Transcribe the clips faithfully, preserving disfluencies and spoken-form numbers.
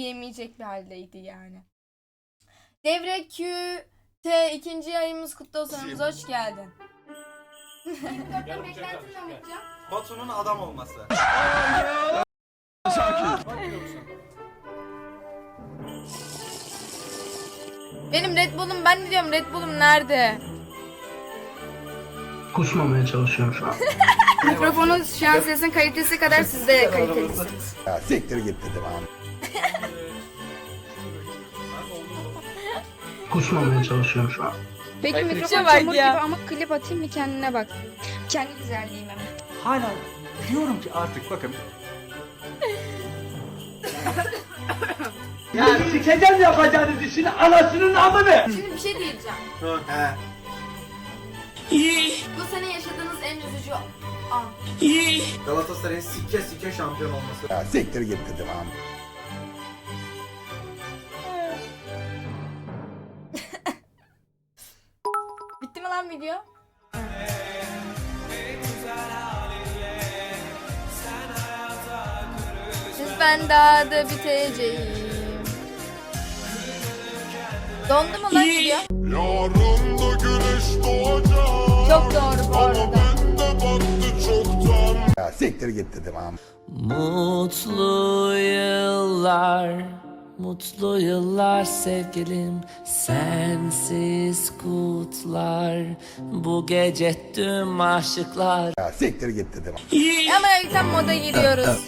yiyemeyecek bir haldeydi yani. Devre Q T ikinci yayımız kutlu olsun. Aramıza hoş geldin. Batu'nun adam olması. Benim Red Bull'um, ben ne diyorum, Red Bull'um nerede? Kusmamaya çalışıyorum şu an. Mikrofonun şu an sesin kalitesi kadar siz de kalitelisiniz. Ya siktir git dedim abi. Kusmamaya çalışıyorum şu an. Peki Şuna mikrofon bak çamur ya. gibi ama klip atayım mı kendine bak. Kendi güzelliğime mi? Hala diyorum ki artık bakın. Ya sikeceğim yapacağınız işini anasının amını. Şimdi bir şey diyeceğim. He. Bu sene yaşadığınız en üzücü an. Galatasaray'ın sike sike şampiyon olması. Ya siktir git dedim abi. Bitti mi lan video? Ben daha da biteceğim. Dondu mu lan video? Yarın da güneş doğacak. Çok doğru bu arada. Bende battı çoktan. Ya siktir git dedim abi. Mutlu yıllar, mutlu yıllar sevgilim, sensiz kutlar, bu gece tüm aşıklar. Ya siktir git dedim abi. Ama ilkten moda giriyoruz.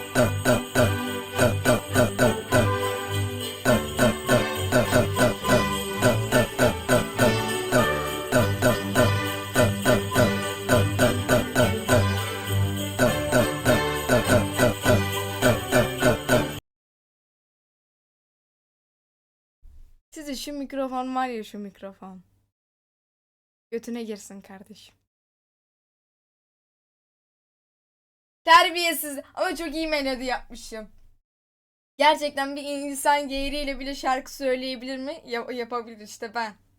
Size şu mikrofon var ya, şu mikrofon. Götüne girsin kardeşim. Terbiyesiz ama çok iyi melodi yapmışım. Gerçekten bir insan geğriyle bile şarkı söyleyebilir mi? Ya yapabilir işte ben.